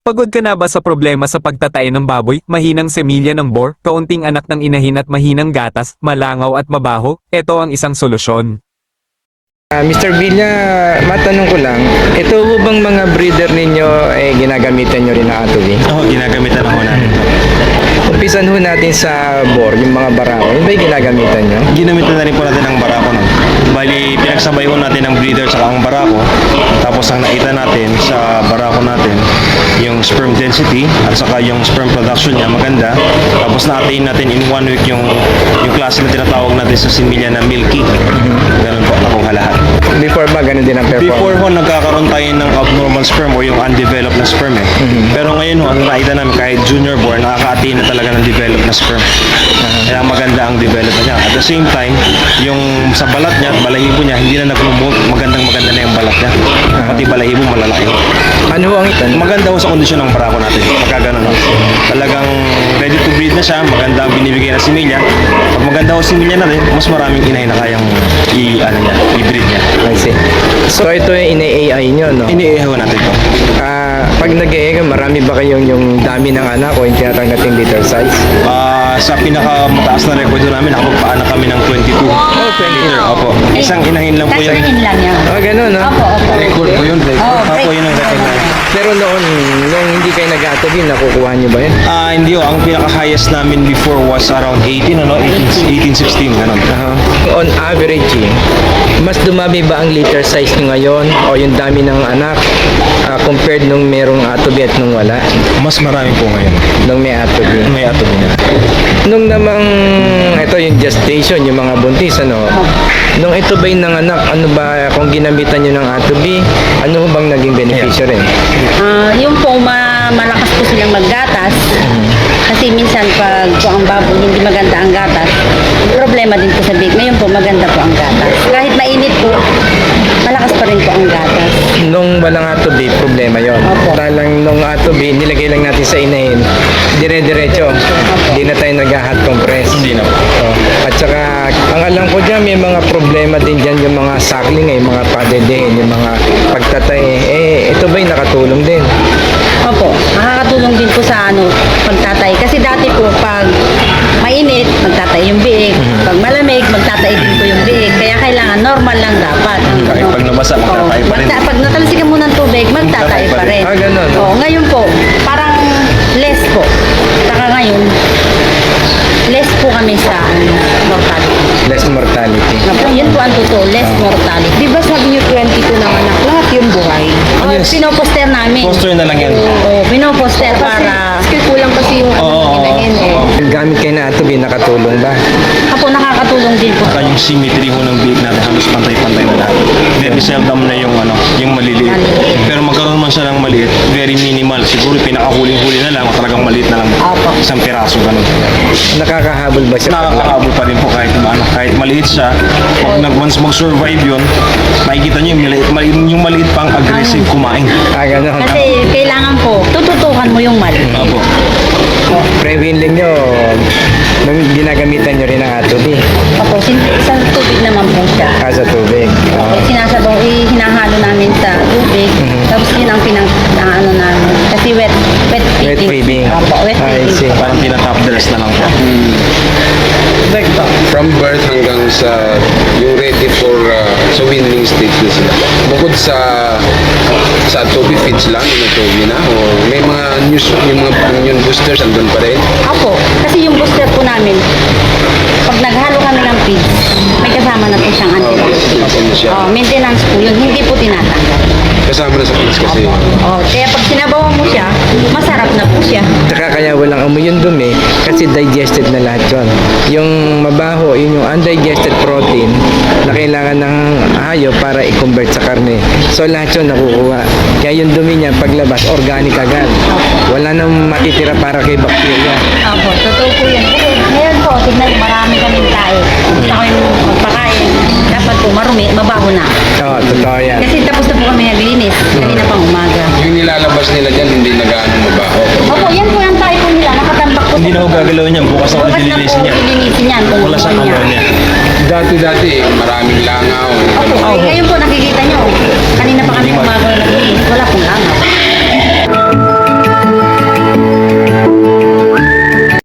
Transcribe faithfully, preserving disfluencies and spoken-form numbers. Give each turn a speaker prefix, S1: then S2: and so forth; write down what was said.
S1: Pagod ka na ba sa problema sa pagtatay ng baboy, mahinang semilya ng bor, kaunting anak ng inahin at mahinang gatas, malangaw at mabaho? Ito ang isang solusyon.
S2: Ah, mister Villa, matanong ko lang, ito ho bang mga breeder ninyo eh, ginagamitan nyo rin na atubi?
S3: Oo, ginagamitan ako namin ito.
S2: Umpisan ho natin sa bor, yung mga barako, yun ba yung ginagamitan nyo?
S3: Ginamitan na rin po natin ang barako nun. Bali, pinagsabay ko natin ang breeder sa ang barako. Tapos ang nakita natin sa barako natin, yung sperm density at saka yung sperm production niya maganda. Tapos na-attain natin in one week yung yung klase na tinatawag natin sa similya na milky. Ganun po, nakuha lahat.
S2: Before ba, ganun din ang performance?
S3: Before ho, nagkakaroon tayo ng abnormal sperm o yung undeveloped na sperm eh. Pero ngayon ho, ang nakita namin kahit junior born, nakaka-attain na talaga ng developed na sperm. Kaya maganda ang development niya. At the same time, yung sa balat niya at balahibo niya, hindi na nag-promote, magandang maganda na yung balat niya. Pati balahibo malalaki.
S2: Ano ho ang itan?
S3: Maganda ho sa kondisyon ng barako natin. Pagka ganun ho. Talagang ready to breed na siya, maganda ang binibigay na similya. Pag maganda ho similya natin, mas maraming inay na kayang i, ano niya, i-breed niya.
S2: I see. So ito yung ina-A I nyo, no?
S3: Iniihaw natin to.
S2: Ah, pag nag-A I ka, marami ba kayong yung dami ng anak o yung tinatawag nating litter size?
S3: Ah, sa pinakamataas na record namin, nakapagpaanak kami ng twenty-two.
S2: Oh, twenty.
S3: Liter, opo. Isang inahin lang po
S4: Tapos
S3: yun.
S4: inahin lang yan.
S2: Ah, ganun, no?
S4: Opo, opo.
S3: Record po yun, record.
S4: Oh,
S3: Opo,
S4: break.
S3: yun ang record namin.
S2: Pero noon, nung hindi kayo nag-atubi, nakukuha nyo ba yun?
S3: Ah, hindi ho. Ang pinaka-highest namin before was around eighteen, ano? eighteen, sixteen, ganun.
S2: Uh-huh. On average, eh, mas dumami ba ang litter size nyo ngayon o yung dami ng anak ah, compared nung merong atubi at nung wala?
S3: Mas marami po ngayon.
S2: Nung may atubi.
S3: May ato niya.
S2: Nung namang, ito yung gestation, yung mga buntis, ano? Nung ito ba yung nanganak, ano ba, kung ginamitan nyo ng atubi, ano bang naging beneficyo rin?
S4: Ah, yung po, ma malakas po silang maggatas. Kasi minsan pag po ang baboy hindi maganda ang gatas, problema din po sa big. Ngayon po maganda po ang gatas. Kahit mainit po, malakas pa rin po ang gatas.
S2: Nung walang atubi, problema yon.
S4: Opo.
S2: Talang nung atubi, nilagay lang natin sa inahin, dire-diretso. Hindi na tayo nag-hot compress.
S3: Hindi na po.
S2: Oh. At saka, ang alam ko dyan, may mga problema din dyan yung mga suckling, eh, mga padedehin, yung mga pagtatay. Eh, ito ba'y nakatulong din?
S4: Opo, nakakatulong din po sa ano, pagtatay. Kasi dati po pag mainit, magtatay yung biig. Pag malamig, magtatay din po yung biig. Kaya kailangan normal lang dapat.
S3: Kahit pag nabasa, magtatay pa rin.
S4: magta- pag natalsikan mo ng tubig, magtatay pa rin.
S2: Ah, ganun.
S4: Oo, ngayon po, parang less po. Saka ngayon, less po kami sa ano, mortality.
S2: Less mortality.
S4: Opo, yun po ang totoo, less mortality.
S5: Di ba sabi niyo twenty-two ng anak, lahat yung buhay?
S4: Oh,
S3: yes.
S4: pinoposter namin.
S3: Poster na lang yan.
S4: Oo, pinoposter para...
S5: Kasi kulang kasi yung
S3: Oo, oo,
S5: inahin eh.
S3: oo.
S2: Gamit kayo na atubi, nakatulong ba?
S4: Ako nakakatulong din po.
S3: Saka yung symmetry ho ng biik natin, halos pantay-pantay na lahat. Very seldom na yung ano, yung maliliit. Pero magkaroon man siya ng maliit, very minimal. Siguro pinakahuling-huli na lang, talagang maliit na lang.
S4: Opo.
S3: Isang piraso, ganun.
S2: Nakakahabol ba siya?
S3: Nakakahabol pa rin po kahit ano, kahit maliit siya. Pag nag once mag-survive yun, makikita niyo yung maliit, maliit, yung maliit pang aggressive kumain.
S2: Ah, gano'n.
S4: Kasi kailangan po, tututukan mo yung mali.
S3: Opo.
S2: Pre-winling nyo, nung ginagamitan nyo rin ang atubi.
S4: Opo, sin- sa tubig naman po siya.
S2: Ah, sa tubig.
S4: Opo, sinasabaw, eh, hinahalo namin sa tubig. Tapos yun ang pinang, ang ano namin. Kasi wet, wet feeding.
S2: Wet feeding.
S4: Opo, wet
S2: I
S4: feeding.
S2: see.
S3: Parang tinatap dress na lang po.
S6: From birth hanggang sa yung ready for uh, sa winning stage na sila. Bukod sa sa Toby feeds lang, yung Toby na, o may mga news, yung mga immune boosters andun pa rin.
S4: Opo, kasi yung booster po namin, pag naghalo kami ng feeds, may kasama na po siyang
S6: Uh,
S4: antibiotics.
S6: siya.
S4: Oh, maintenance po yun, hindi po tinatanggal.
S6: Kasama na sa feeds kasi.
S4: Oh, kaya pag sinabawan mo siya, masarap na po siya.
S2: Tsaka kaya walang amoy yung dumi kasi digested na lahat yun. Yung mabaho, yun yung undigested protein na kailangan ng hayop para i-convert sa karne. So lahat yun nakukuha. Kaya yung dumi niya paglabas, organic agad. Wala nang matitira para kay bacteria.
S4: Opo, totoo po yan. Kasi ngayon po, tignan, marami kaming tayo. Gusto ko yung magpakain. Dapat po marumi, mabaho na.
S2: Oo, totoo yan.
S4: Kasi tapos na po kami naglinis. Kanina pang umaga.
S6: Yung nilalabas nila dyan, hindi na gaano mabaho.
S4: Opo, yan po yung tayo po nila. Nakatambak po.
S3: Hindi na ho gagalawin yan. Bukas na ulit
S4: Bukas na po
S3: lilinisin yan.
S4: lilinisin yan. kung
S3: Wala siyang
S4: gusto niya.
S3: ammonia.
S6: Dati-dati, maraming langaw.
S4: Opo,
S6: ganun.
S4: ngayon po nakikita nyo. Kanina pa kami umaga naglinis. Wala pong langaw.